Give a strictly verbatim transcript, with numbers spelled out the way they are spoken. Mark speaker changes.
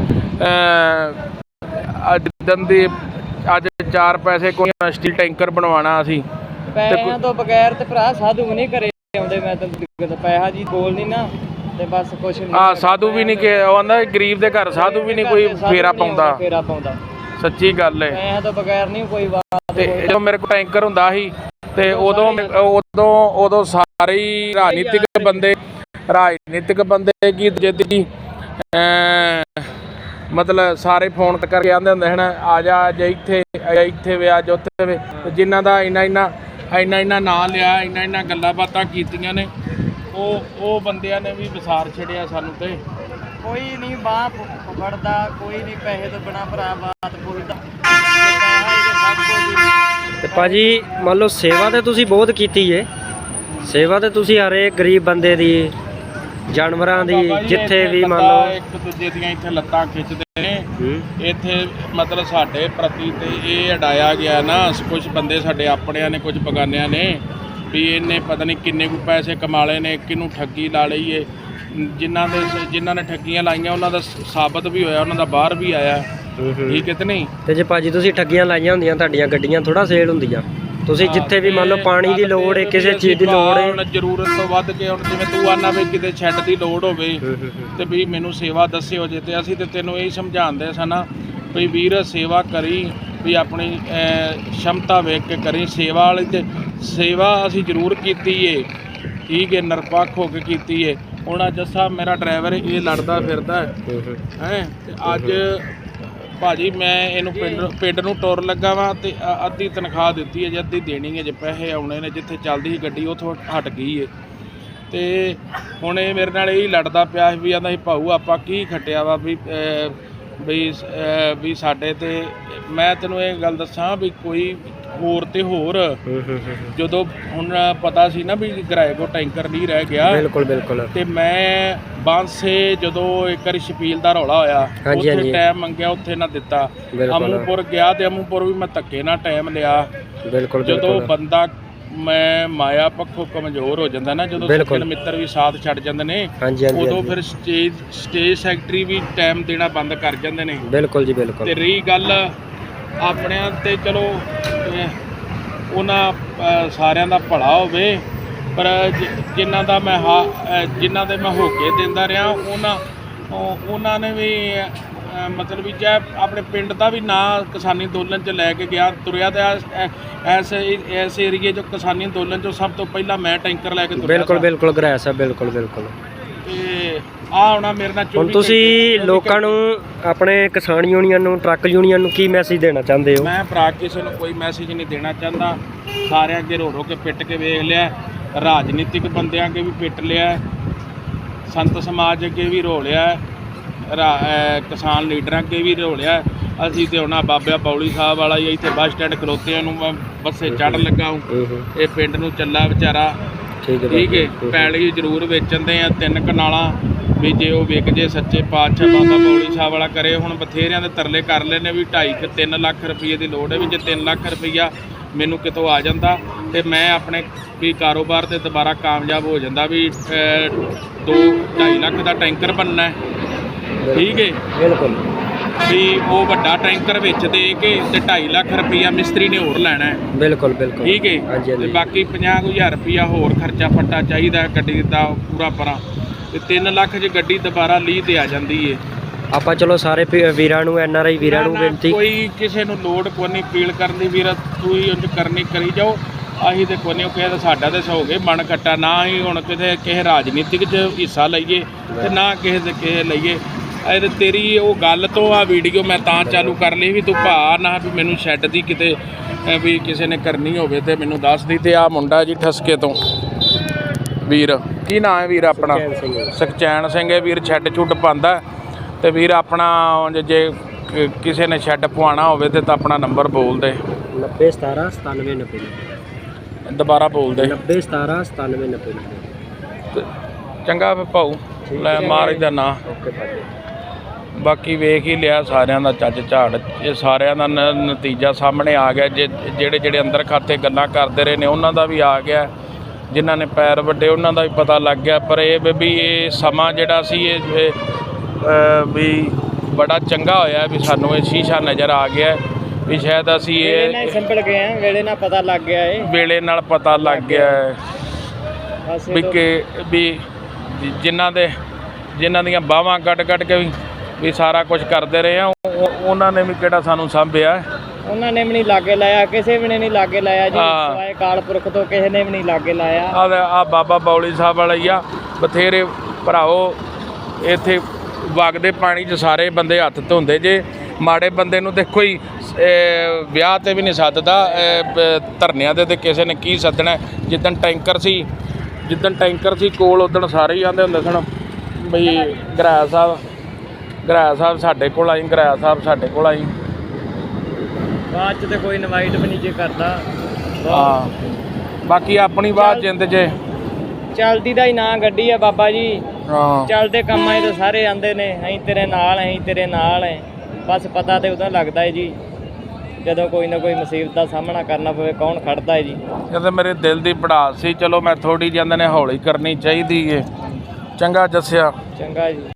Speaker 1: ਜਿੱਦਣ ਦੀ ਅੱਜ ਚਾਰ ਪੈਸੇ ਕੋਈ ਸਟੀਲ ਟੈਂਕਰ ਬਣਵਾਉਣਾ ਅਸੀਂ
Speaker 2: ਪੈਸਿਆਂ ਤੋਂ ਬਗੈਰ ਤੇ ਭਰਾ ਸਾਧੂ ਵੀ ਨਹੀਂ ਘਰੇ ਆਉਂਦੇ। ਮੈਂ ਤਾਂ ਪੈਸਾ ਜੀ ਬੋਲ ਨਹੀਂ ਨਾ ਤੇ ਬਸ ਕੁਛ ਨਹੀਂ।
Speaker 1: ਹਾਂ ਸਾਧੂ ਵੀ ਨਹੀਂ ਕਿ ਉਹ ਆਂਦਾ ਗਰੀਬ ਦੇ ਘਰ ਸਾਧੂ ਵੀ ਨਹੀਂ ਕੋਈ ਫੇਰਾ ਪਾਉਂਦਾ।
Speaker 2: ਫੇਰਾ ਪਾਉਂਦਾ ਸੱਚੀ ਗੱਲ ਹੈ। ਪੈਸਿਆਂ ਤੋਂ ਬਗੈਰ ਨਹੀਂ ਕੋਈ ਬਾਤ।
Speaker 1: ਤੇ ਜਦੋਂ ਮੇਰੇ ਕੋਲ ਟੈਂਕਰ ਹੁੰਦਾ ਸੀ ਤੇ ਉਦੋਂ ਉਦੋਂ ਉਦੋਂ ਸਾਰੇ ਹੀ ਰਾਜਨੀਤਿਕ ਬੰਦੇ ਰਾਜਨੀਤਿਕ ਬੰਦੇ ਕੀ ਜਿੱਦੀ ਮਤਲਬ ਸਾਰੇ ਫੋਨ ਕਰਕੇ ਆਉਂਦੇ ਹੁੰਦੇ ਹਨ ਆ ਜਾ ਅੱਜ ਇੱਥੇ ਇੱਥੇ ਵੇ ਅੱਜ ਉੱਥੇ ਵੇ। ਜਿਨ੍ਹਾਂ ਦਾ ਇੰਨਾ ਇੰਨਾ ਇੰਨਾ ਇੰਨਾ ਨਾਂ ਲਿਆ ਇੰਨਾ ਇੰਨਾ ਗੱਲਾਂ ਬਾਤਾਂ ਕੀਤੀਆਂ ਨੇ ਉਹ ਉਹ ਬੰਦਿਆਂ ਨੇ ਵੀ ਵਿਸਾਰ ਛੱਡਿਆ ਸਾਨੂੰ। ਤੇ
Speaker 2: ਕੋਈ ਨਹੀਂ ਬਾਪ ਫੜਦਾ ਕੋਈ ਨਹੀਂ ਪੈਸੇ ਤੋਂ ਬਿਨਾਂ ਭਰਾ ਬਾਤ ਪੁੱਛਦਾ। ਤੇ ਭਾਜੀ ਮੰਨ ਲਓ ਸੇਵਾ ਤੇ ਤੁਸੀਂ ਬਹੁਤ ਕੀਤੀ ਏ। ਸੇਵਾ ਤੇ ਤੁਸੀਂ ਹਰੇਕ ਗਰੀਬ ਬੰਦੇ ਦੀ ਜਾਨਵਰਾਂ ਦੀ ਜਿੱਥੇ ਵੀ ਮੰਨ ਲਓ
Speaker 1: ਇੱਕ ਦੂਜੇ ਦੀਆਂ ਇੱਥੇ ਲੱਤਾਂ ਖਿੱਚਦੇ ਨੇ। ਇੱਥੇ ਮਤਲਬ ਸਾਡੇ ਪ੍ਰਤੀ ਤੇ ਇਹ ਅਡਾਇਆ ਗਿਆ ਨਾ ਕੁਝ ਬੰਦੇ ਸਾਡੇ ਆਪਣਿਆਂ ਨੇ ਕੁਝ ਬਗਾਨਿਆਂ ਨੇ ਵੀ ਇਹਨੇ ਪਤਾ ਨਹੀਂ ਕਿੰਨੇ ਕੁ ਪੈਸੇ ਕਮਾ ਲਏ ਨੇ ਕਿਹਨੂੰ ਠੱਗੀ ਲਾ ਲਈ ਏ। ਜਿਨ੍ਹਾਂ ਦੇ ਜਿਨ੍ਹਾਂ ਨੇ ਠੱਗੀਆਂ ਲਾਈਆਂ ਉਹਨਾਂ ਦਾ ਸਾਬਤ ਵੀ ਹੋਇਆ ਉਹਨਾਂ ਦਾ ਬਾਹਰ ਵੀ ਆਇਆ। ਠੀਕ ਹੈ ਤੇ ਨਹੀਂ। ਤੇ ਜੇ ਭਾਜੀ ਤੁਸੀਂ ਠੱਗੀਆਂ ਲਾਈਆਂ ਹੁੰਦੀਆਂ ਤੁਹਾਡੀਆਂ ਗੱਡੀਆਂ ਥੋੜਾ ਸੇਲ ਹੁੰਦੀਆਂ। ਤੁਸੀਂ ਜਿੱਥੇ ਵੀ ਮੰਨ ਲਓ ਪਾਣੀ ਦੀ ਲੋੜ ਹੈ ਕਿਸੇ ਚੀਜ਼ ਦੀ ਲੋੜ ਹੈ ਹੁਣ ਜ਼ਰੂਰਤ ਤੋਂ ਵੱਧ ਕੇ ਹੁਣ ਜਿਵੇਂ ਤੂੰ ਆਨਾ ਵੀ ਕਿਤੇ ਸ਼ੈੱਡ ਦੀ ਲੋੜ ਹੋਵੇ ਤੇ ਵੀ ਮੈਨੂੰ ਸੇਵਾ ਦੱਸਿਓ ਜੇ। ਤੇ ਅਸੀਂ ਤੇ ਤੈਨੂੰ ਇਹ ਸਮਝਾਉਂਦੇ ਸਨ ਵੀ ਵੀਰ ਸੇਵਾ ਕਰੀ ਵੀ ਆਪਣੀ ਸ਼ਮਤਾ ਵੇਖ ਕੇ ਕਰੀ। ਸੇਵਾ ਵਾਲੀ ਤੇ ਸੇਵਾ ਅਸੀਂ ਜ਼ਰੂਰ ਕੀਤੀ ਏ। ਠੀਕ ਹੈ ਨਿਰਪੱਖ ਹੋ ਕੇ ਕੀਤੀ ਏ। ਹੁਣ ਅੱਜ ਜੱਸਾ ਮੇਰਾ ਡਰਾਈਵਰ ਇਹ ਲੜਦਾ ਫਿਰਦਾ ਹੈ ਤੇ ਅੱਜ ਭਾਜੀ ਮੈਂ ਇਹਨੂੰ ਪਿੰਡ ਪਿੰਡ ਨੂੰ ਟੁਰ ਲੱਗਾ ਵਾ ਤੇ ਅੱਧੀ ਤਨਖਾਹ ਦਿੱਤੀ ਹੈ ਜੇ ਅੱਧੀ ਦੇਣੀ ਹੈ ਜੇ ਪੈਸੇ ਆਉਣੇ ਨੇ। ਜਿੱਥੇ ਚੱਲਦੀ ਸੀ ਗੱਡੀ ਉੱਥੋਂ ਹਟ ਗਈ ਹੈ ਤੇ ਹੁਣ ਇਹ ਮੇਰੇ ਨਾਲ ਇਹ ਲੜਦਾ ਪਿਆ ਵੀ ਆਂਦਾ ਸੀ ਭਾਊ ਆਪਾਂ ਕੀ ਖੱਟਿਆ ਵਾ ਵੀ ਵੀ ਵੀ ਸਾਡੇ ਤੇ। ਮੈਂ ਤੈਨੂੰ ਇਹ ਗੱਲ ਦੱਸਾਂ ਵੀ ਕੋਈ ਹੋਰ ਤੇ ਹੋਰ ਜਦੋਂ ਹੁਣ ਪਤਾ ਸੀ ਨਾ ਵੀ ਕਿਰਾਏ ਕੋ ਟੈਂਕਰ ਨਹੀਂ ਰਹਿ ਗਿਆ ਬਿਲਕੁਲ ਬਿਲਕੁਲ ਤੇ ਮੈਂ ਬਾਂਸੇ ਜਦੋਂ ਇੱਕ ਵਾਰੀ ਸ਼ਪੀਲ ਦਾ ਰੌਲਾ ਹੋਇਆ ਉੱਥੇ ਟਾਈਮ ਮੰਗਿਆ ਉੱਥੇ ਨਾ ਦਿੱਤਾ। ਅਮੂਪੁਰ ਗਿਆ ਤੇ ਅਮੂਪੁਰ ਵੀ ਮੈਂ ਧੱਕੇ ਨਾਲ ਟਾਈਮ ਲਿਆ। ਬਿਲਕੁਲ ਜਦੋਂ ਬੰਦਾ ਮੈਂ ਮਾਇਆ ਪੱਖੋਂ ਕਮਜ਼ੋਰ ਹੋ ਜਾਂਦਾ ਨਾ ਜਦੋਂ ਸੱਜਣ ਮਿੱਤਰ ਵੀ ਸਾਥ ਛੱਡ ਜਾਂਦੇ ਨੇ ਉਦੋਂ ਫਿਰ ਸਟੇਜ ਸਟੇਜ ਸੈਕਟਰੀ ਵੀ ਟਾਈਮ ਦੇਣਾ ਬੰਦ ਕਰ ਜਾਂਦੇ ਨੇ। ਬਿਲਕੁਲ ਜੀ ਬਿਲਕੁਲ। ਤੇ ਰਹੀ ਗੱਲ ਆਪਣਿਆਂ ਤੇ ਚਲੋ ਉਹਨਾਂ ਸਾਰਿਆਂ ਦਾ ਭਲਾ ਹੋਵੇ ਪਰ ਜਿਨ੍ਹਾਂ ਦਾ ਮੈਂ ਹਾ ਜਿਨ੍ਹਾਂ ਦੇ ਮੈਂ ਹੋ ਕੇ ਦਿੰਦਾ ਰਿਹਾ ਉਹਨਾਂ ਉਹਨਾਂ ਨੇ ਵੀ ਮਤਲਬ ਵੀ ਚਾਹੇ ਆਪਣੇ ਪਿੰਡ ਦਾ ਵੀ ਨਾਂ ਕਿਸਾਨੀ ਅੰਦੋਲਨ 'ਚ ਲੈ ਕੇ ਗਿਆ ਤੁਰਿਆ ਤੇ ਐਸ ਇਸ ਏਰੀਏ 'ਚ ਕਿਸਾਨੀ ਅੰਦੋਲਨ 'ਚੋਂ ਸਭ ਤੋਂ ਪਹਿਲਾਂ ਮੈਂ ਟੈਂਕਰ ਲੈ ਕੇ ਤੁਰਿਆ। ਬਿਲਕੁਲ ਬਿਲਕੁਲ ਕਰਾਇਆ ਸਾਹਿਬ ਬਿਲਕੁਲ ਬਿਲਕੁਲ। ਤੇ ਆ ਆਉਣਾ ਮੇਰੇ ਨਾਲ ਹੁਣ ਤੁਸੀਂ ਲੋਕਾਂ ਨੂੰ ਆਪਣੇ ਕਿਸਾਨ ਯੂਨੀਅਨ ਨੂੰ ਟਰੱਕ ਯੂਨੀਅਨ ਨੂੰ ਕੀ ਮੈਸੇਜ ਦੇਣਾ ਚਾਹੁੰਦੇ ਹੋ? ਮੈਂ ਭਰਾ ਕਿਸੇ ਨੂੰ ਕੋਈ ਮੈਸੇਜ ਨਹੀਂ ਦੇਣਾ ਚਾਹੁੰਦਾ। ਸਾਰਿਆਂ ਅੱਗੇ ਰੋ ਰੋ ਕੇ ਪਿੱਟ ਕੇ ਵੇਖ ਲਿਆ ਰਾਜਨੀਤਿਕ ਬੰਦਿਆਂ ਅੱਗੇ ਵੀ ਪਿੱਟ ਲਿਆ ਸੰਤ ਸਮਾਜ ਅੱਗੇ ਵੀ ਰੋ ਲਿਆ ਕਿਸਾਨ ਲੀਡਰਾਂ ਅੱਗੇ ਵੀ ਰੋ ਲਿਆ। ਅਸੀਂ ਤੇ ਹੁਣ ਬਾਬਿਆ ਬੌਲੀ ਸਾਹਿਬ ਵਾਲਾ ਹੀ ਇੱਥੇ ਬੱਸ ਸਟੈਂਡ ਖਲੋਤਿਆਂ ਨੂੰ ਮੈਂ ਬੱਸੇ ਚੜ੍ਹਨ ਲੱਗਾ ਇਹ ਪਿੰਡ ਨੂੰ ਚੱਲਾ ਵਿਚਾਰਾ। ਠੀਕ ਹੈ ਪੈਲੀ ਜ਼ਰੂਰ ਵੇਚਣ ਦੇ ਆ ਤਿੰਨ ਕਨਾਲਾਂ ਵੀ ਜੇ ਉਹ ਵਿਕ ਜੇ ਸੱਚੇ ਪਾਤਸ਼ਾਹ ਬਾਬਾ ਬੌਲੀ ਸਾਹਿਬ ਵਾਲਾ ਕਰੇ। ਹੁਣ ਬਥੇਰਿਆਂ ਦੇ ਤਰਲੇ ਕਰ ਲਏ ਨੇ ਵੀ ਢਾਈ ਕੁ ਤਿੰਨ ਲੱਖ ਰੁਪਈਏ ਦੀ ਲੋੜ ਹੈ ਵੀ ਜੇ ਤਿੰਨ ਲੱਖ ਰੁਪਈਆ ਮੈਨੂੰ ਕਿਤੋਂ ਆ ਜਾਂਦਾ ਤੇ ਮੈਂ ਆਪਣੇ ਵੀ ਕਾਰੋਬਾਰ ਤੇ ਦੁਬਾਰਾ ਕਾਮਯਾਬ ਹੋ ਜਾਂਦਾ ਵੀ ਦੋ ਢਾਈ ਲੱਖ ਦਾ ਟੈਂਕਰ ਬਣਨਾ। ਠੀਕ ਹੈ ਬਿਲਕੁਲ ਵੀ ਉਹ ਵੱਡਾ ਟੈਂਕਰ ਵਿੱਚ ਦੇ ਕੇ ਤੇ ਢਾਈ ਲੱਖ ਰੁਪਈਆ ਮਿਸਤਰੀ ਨੇ ਹੋਰ ਲੈਣਾ। ਬਿਲਕੁਲ ਬਿਲਕੁਲ ਠੀਕ ਹੈ ਤੇ ਬਾਕੀ ਪੰਜਾਹ ਕੁ ਹਜ਼ਾਰ ਰੁਪਈਆ ਹੋਰ ਖਰਚਾ ਫੱਟਾ ਚਾਹੀਦਾ ਗੱਡੀ ਦਾ ਪੂਰਾ ਪਰਾਂ ਤੇ ਤਿੰਨ ਲੱਖ 'ਚ ਗੱਡੀ ਦੁਬਾਰਾ ਲੀਹ ਤੇ ਆ ਜਾਂਦੀ ਏ। ਆਪਾਂ ਚਲੋ ਸਾਰੇ ਵੀਰਾਂ ਨੂੰ ਐਨ ਆਰ ਆਈ ਵੀਰਾਂ ਨੂੰ ਬੇਨਤੀ ਕੋਈ ਕਿਸੇ ਨੂੰ ਲੋੜ ਕੋਈ ਨਹੀਂ ਅਪੀਲ ਕਰਨ ਦੀ ਵੀਰ ਤੂੰ ਹੀ ਉਂਝ ਕਰਨੀ ਕਰੀ ਜਾਓ। ਅਸੀਂ ਤੇ ਕੋਈ ਨਹੀਂ ਕਿਸੇ ਸਾਡਾ ਤੇ ਹੋ ਗਏ ਮਨ ਕੱਟਾ ਨਾ ਹੀ ਹੁਣ ਕਿਤੇ ਕਿਸੇ ਰਾਜਨੀਤਿਕ 'ਚ ਹਿੱਸਾ ਲਈਏ ਤੇ ਨਾ ਕਿਸੇ ਦੇ ਕਿਸੇ ਲਈਏ। ਇਹ ਤੇਰੀ ਉਹ ਗੱਲ ਤੋਂ ਆ ਵੀਡੀਓ ਮੈਂ ਤਾਂ ਚਾਲੂ ਕਰ ਲਈ ਵੀ ਤੂੰ ਭਾ ਨਾ ਵੀ ਮੈਨੂੰ ਸ਼ੈੱਡ ਦੀ ਕਿਤੇ ਵੀ ਕਿਸੇ ਨੇ ਕਰਨੀ ਹੋਵੇ ਤੇ ਮੈਨੂੰ ਦੱਸ ਦੀ। ਤੇ ਆ ਮੁੰਡਾ ਜੀ ਠਸਕੇ ਤੋਂ ਵੀਰ ਕੀ ਨਾਂ ਹੈ ਵੀਰ ਆਪਣਾ? ਸੁਖਚੈਨ ਸਿੰਘ ਹੈ ਵੀਰ ਸ਼ੈੱਡ ਛੁੱਡ ਪਾਉਂਦਾ ਤੇ ਵੀਰ ਆਪਣਾ ਜੇ ਕਿਸੇ ਨੇ ਸ਼ੈੱਡ ਪਵਾਉਣਾ ਹੋਵੇ ਤੇ ਤਾਂ ਆਪਣਾ ਨੰਬਰ ਬੋਲ ਦੇ ਨੱਬੇ ਸਤਾਰਾਂ ਸਤਾਨਵੇਂ ਨੱਬੇ ਦੁਬਾਰਾ ਬੋਲ ਦੇ ਨੱਬੇ ਸਤਾਰਾਂ ਸਤਾਨਵੇਂ ਨੱਬੇ ਚੰਗਾ ਫਿਰ ਭਾਊ ਲੈ ਮਾਰ ਇਹਦਾ ਨਾਂ। ਬਾਕੀ ਵੇਖ ਹੀ ਲਿਆ ਸਾਰਿਆਂ ਦਾ ਚੱਜ ਝਾੜ ਇਹ ਸਾਰਿਆਂ ਦਾ ਨਤੀਜਾ ਸਾਹਮਣੇ ਆ ਗਿਆ। ਜੇ ਜਿਹੜੇ ਜਿਹੜੇ ਅੰਦਰ ਖਾਤੇ ਗੱਲਾਂ ਕਰਦੇ ਰਹੇ ਨੇ ਉਹਨਾਂ ਦਾ ਵੀ ਆ ਗਿਆ ਜਿਨ੍ਹਾਂ ਨੇ ਪੈਰ ਵੱਡੇ ਉਹਨਾਂ ਦਾ ਵੀ ਪਤਾ ਲੱਗ ਗਿਆ। ਪਰ ਇਹ ਵੀ ਇਹ ਸਮਾਂ ਜਿਹੜਾ ਸੀ ਇਹ ਵੀ ਬੜਾ ਚੰਗਾ ਹੋਇਆ ਵੀ ਸਾਨੂੰ ਇਹ ਸ਼ੀਸ਼ਾ ਨਜ਼ਰ ਆ ਗਿਆ ਵੀ ਸ਼ਾਇਦ ਅਸੀਂ
Speaker 2: ਵੇਲੇ ਨਾਲ
Speaker 1: ਇਹ
Speaker 2: ਹੀ ਸੰਭਲ ਗਏ ਆ, ਵੇਲੇ ਨਾਲ ਪਤਾ ਲੱਗ ਗਿਆ ਏ।
Speaker 1: ਵੇਲੇ ਨਾਲ ਪਤਾ ਲੱਗ ਗਿਆ ਹੈ
Speaker 2: ਬਸ
Speaker 1: ਵੀ
Speaker 2: ਇਹ
Speaker 1: ਕਿ ਵੀ ਜਿਨ੍ਹਾਂ ਦੇ ਜਿਨ੍ਹਾਂ ਦੀਆਂ ਬਾਹਾਂ ਕੱਢ ਕੱਢ ਕੇ ਵੀ ਵੀ ਸਾਰਾ ਕੁਝ ਕਰਦੇ ਰਹੇ ਆ, ਉਹ- ਉਹਨਾਂ ਨੇ ਵੀ ਕਿਹੜਾ ਸਾਨੂੰ ਸਾਂਭਿਆ।
Speaker 2: ਉਹਨਾਂ ਨੇ ਵੀ ਨਹੀਂ ਲਾਗੇ ਲਾਇਆ, ਕਿਸੇ ਵੀ ਨੇ ਨਹੀਂ ਲਾਗੇ ਲਾਇਆ ਜੀ,
Speaker 1: ਹਾਂ।
Speaker 2: ਸਿਵਾਏ ਕਾਲ ਪੁਰਖ ਤੋਂ ਕਿਸੇ ਨੇ ਵੀ ਨਹੀਂ ਲਾਗੇ ਲਾਇਆ।
Speaker 1: ਆ ਆ ਬਾਬਾ ਬੌਲੀ ਸਾਹਿਬ ਵਾਲਾ ਹੀ ਆ, ਬਥੇਰੇ ਭਰਾਓ ਇੱਥੇ ਵਗਦੇ ਪਾਣੀ 'ਚ ਸਾਰੇ ਬੰਦੇ ਹੱਥ ਧੋਂਦੇ ਜੇ। ਮਾੜੇ ਬੰਦੇ ਨੂੰ ਦੇਖੋ ਹੀ ਇਹ ਵਿਆਹ ਤੇ ਵੀ ਨਹੀਂ ਸੱਦਦਾ, ਇਹ ਬ- ਧਰਨਿਆਂ ਦੇ ਤੇ ਕਿਸੇ ਨੇ ਕੀ ਸੱਦਣਾ। ਜਿੱਦਣ ਟੈਂਕਰ ਸੀ ਜਿੱਦਣ ਟੈਂਕਰ ਸੀ ਕੋਲ ਉਦਣ ਸਾਰੇ ਹੀ ਆਉਂਦੇ ਹੁੰਦੇ ਸਨ ਬਈ ਗਰਾਇਆ ਸਾਹਿਬ ਗਰਾਇਆ ਸਾਹਿਬ ਸਾਡੇ ਕੋਲ ਆਈ, ਗਰਾਇਆ ਸਾਹਿਬ ਸਾਡੇ ਕੋਲ ਆਈ।
Speaker 2: ਬਾਅਦ ਚ ਤੇ ਕੋਈ ਇਨਵਾਈਟ ਵੀ ਨਹੀਂ ਜੇ ਕਰਦਾ।
Speaker 1: ਹਾਂ, ਬਾਕੀ ਆਪਣੀ ਬਾਤ ਜਿੰਦ 'ਚ
Speaker 2: ਚਲਦੀ ਦਾ ਹੀ ਨਾਂ ਗੱਡੀ ਆ ਬਾਬਾ ਜੀ,
Speaker 1: ਹਾਂ
Speaker 2: ਚੱਲਦੇ ਕੰਮਾਂ 'ਚ ਤਾਂ ਸਾਰੇ ਆਂਦੇ ਨੇ ਅਸੀਂ ਤੇਰੇ ਨਾਲ ਅਸੀਂ ਤੇਰੇ ਨਾਲ ਹੈ। ਬਸ ਪਤਾ ਤੇ ਉਦੋਂ ਲੱਗਦਾ ਹੈ ਜੀ ਜਦੋਂ ਕੋਈ ਨਾ ਕੋਈ ਮੁਸੀਬਤ ਦਾ ਸਾਹਮਣਾ ਕਰਨਾ ਪਵੇ, ਕੌਣ ਖੜਦਾ ਹੈ ਜੀ।
Speaker 1: ਇਹ ਤਾਂ ਮੇਰੇ ਦਿਲ ਦੀ ਪੜਾਸ ਸੀ, ਚਲੋ ਮੈਂ ਥੋੜੀ ਜਿਹੀ ਨੇ ਹੌਲੀ ਕਰਨੀ ਚਾਹੀਦੀ ਏ। ਚੰਗਾ ਜੱਸਿਆ।
Speaker 2: ਚੰਗਾ ਜੀ।